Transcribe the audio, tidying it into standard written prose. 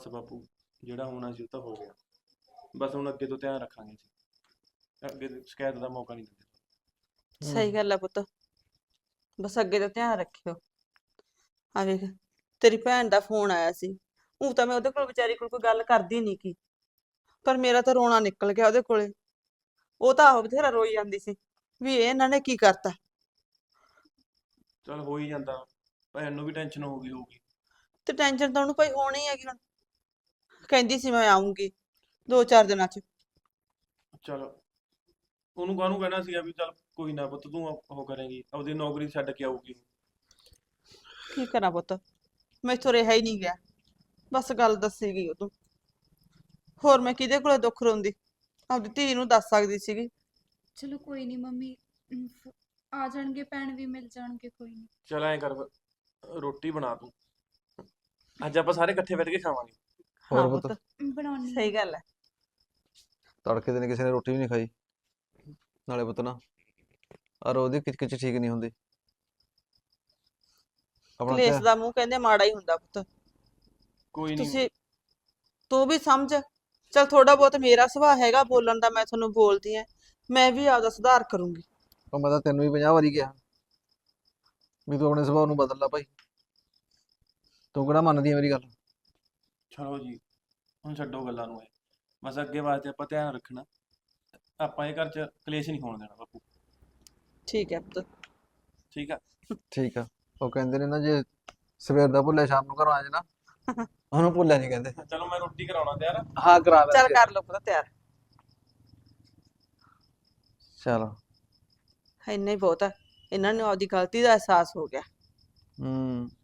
ਬਸ ਬਾਪੂ, ਜਿਹੜਾ ਹੋਣਾ ਸੀ ਉਹ ਤਾਂ ਹੋ ਗਿਆ। ਬਸ ਹੁਣ ਅੱਗੇ ਤੋਂ ਧਿਆਨ ਰੱਖਾਂਗੇ ਜੀ। ਅੱਗੇ ਤੋਂ ਸ਼ਿਕਾਇਤ ਦਾ ਮੌਕਾ ਨਹੀਂ ਦਿੰਦੇ। ਸਹੀ ਗੱਲ ਆ ਪੁੱਤ। ਬਸ ਅੱਗੇ ਤੋਂ ਧਿਆਨ ਰੱਖਿਓ। ਆ ਵੇਖ, ਤੇਰੀ ਭੈਣ ਦਾ ਫੋਨ ਆਇਆ ਸੀ। ਉਹ ਤਾਂ ਮੈਂ ਉਹਦੇ ਕੋਲ ਵਿਚਾਰੀ ਕੋਲ ਕੋਈ ਗੱਲ ਕਰਦੀ ਨਹੀਂ ਕੀ, ਪਰ ਮੇਰਾ ਤਾਂ ਰੋਣਾ ਨਿਕਲ ਗਿਆ ਉਹਦੇ ਕੋਲੇ। ਉਹ ਤਾਂ ਆਹੋ ਬਥੇਰਾ ਰੋਈ ਜਾਂਦੀ ਸੀ ਵੀ ਇਹ ਇਹਨਾਂ ਨੇ ਕੀ ਕਰਤਾ। ਚਲ ਹੋ ਹੀ ਜਾਂਦਾ, ਭੈਣ ਨੂੰ ਵੀ ਟੈਨਸ਼ਨ ਹੋ ਗਈ ਹੋਊਗੀ। ਤੇ ਟੈਨਸ਼ਨ ਤਾਂ ਉਹਨੂੰ ਭਾਈ ਹੋਣੀ ਹੈਗੀ ਹੁਣ। ਕਹਿੰਦੀ ਸੀ ਮੈਂ ਆਉਂਗੀ 2-4 ਦਿਨਾਂ ਚ। ਚਲ ਉਹਨੂੰ ਕਾਹਨੂੰ ਕਹਿਣਾ ਸੀਗਾ ਵੀ ਚੱਲ ਕੋਈ ਨਾ ਪੁੱਤ, ਤੂੰ ਉਹ ਕਰੇਂਗੀ, ਆਪਦੀ ਨੌਕਰੀ ਛੱਡ ਕੇ ਆਊਗੀ। ਕੀ ਕਰਾਂ ਪੁੱਤ, ਮੈਥੋਂ ਰਿਹਾ ਹੀ ਨਹੀਂ ਗਿਆ। ਬਸ ਗੱਲ ਦੱਸੀ ਗਈ ਉਹ ਤੂੰ। ਹੋਰ ਮੈਂ ਕਿਹਦੇ ਕੋਲੇ ਦੁੱਖ ਰੋਂਦੀ, ਆਪਦੀ ਧੀ ਨੂੰ ਦੱਸ ਸਕਦੀ ਸੀਗੀ। ਚਲੋ ਕੋਈ ਨਹੀਂ ਮੰਮੀ, ਆ ਜਾਣਗੇ, ਭੈਣ ਵੀ ਮਿਲ ਜਾਣਗੇ, ਕੋਈ ਨਹੀਂ। ਚਲ ਐਂ ਕਰ, ਰੋਟੀ ਬਣਾ ਤੂੰ, ਅੱਜ ਆਪਾਂ ਸਾਰੇ ਇਕੱਠੇ ਬੈਠ ਕੇ ਖਾਵਾਂਗੇ। ਹਾਂ ਹੋਰ ਪੁੱਤ, ਬਣਾਉਣੀ ਸਹੀ ਗੱਲ ਹੈ। ਤੜਕੇ ਦਿਨ ਕਿਸੇ ਨੇ ਰੋਟੀ ਵੀ ਨਹੀਂ ਖਾਈ। ਨਾਲੇ ਪੁੱਤ ਨਾ ਔਰ ਉਹਦੀ ਕਿਚ ਠੀਕ ਨਹੀਂ ਹੁੰਦੀ। ਆਪਣਾ ਕਲੇਸ਼ ਦਾ ਮੂੰਹ ਕਹਿੰਦੇ ਮਾੜਾ ਹੀ ਹੁੰਦਾ ਪੁੱਤ। ਕੋਈ ਨਹੀਂ। ਤੁਸੀਂ, ਤੂੰ ਵੀ ਸਮਝ। ਚਲ ਥੋੜਾ ਬਹੁਤ ਮੇਰਾ ਸੁਭਾਅ ਹੈਗਾ ਬੋਲਣ ਦਾ, ਮੈਂ ਤੁਹਾਨੂੰ ਬੋਲਦੀ ਆ। ਮੈਂ ਵੀ ਆਪਦਾ ਸੁਧਾਰ ਕਰੂੰਗੀ। ਉਹ ਮੈਂ ਤਾਂ ਤੈਨੂੰ ਵੀ 50 ਵਾਰੀ ਕਿਹਾ ਵੀ ਤੂੰ ਆਪਣੇ ਸੁਭਾਅ ਨੂੰ ਬਦਲ ਲਾ ਭਾਈ। ਤੂੰ ਕਿਹੜਾ ਮੰਨਦੀ ਹੈ ਮੇਰੀ ਗੱਲ? ਚਲੋ ਜੀ, ਹੁਣ ਛੱਡੋ ਗੱਲਾਂ ਨੂੰ। ਬਸ ਅੱਗੇ ਵਾਸਤੇ ਆਪਾਂ ਧਿਆਨ ਰੱਖਣਾ। ਆਪਾਂ ਇਹ ਘਰ 'ਚ ਕਲੇਸ਼ ਨਹੀਂ ਹੋਣ ਦੇਣਾ ਬਾਪੂ। ਠੀਕ ਹੈ ਪੁੱਤ। ਠੀਕ ਆ। ਠੀਕ ਆ। ਉਹ ਕਹਿੰਦੇ ਨੇ ਨਾ, ਜੇ ਸਵੇਰ ਦਾ ਭੁੱਲਿਆ ਸ਼ਾਮ ਨੂੰ ਘਰੋਂ ਆ ਜਾਣਾ, ਉਹਨੂੰ ਭੁੱਲਿਆ ਨਹੀਂ ਕਹਿੰਦੇ। ਚਲੋ ਮੈਂ ਰੋਟੀ ਕਰਾਉਣਾ ਤਿਆਰ। ਹਾਂ ਕਰਾ ਲੈ। ਚੱਲ ਕਰ ਲਓ ਪੁੱਤ ਤਿਆਰ। ਚਲ। ਇੰਨਾ ਹੀ ਬਹੁਤ ਹੈ, ਇਹਨਾਂ ਨੂੰ ਆਪਦੀ ਗਲਤੀ ਦਾ ਅਹਿਸਾਸ ਹੋ ਗਿਆ।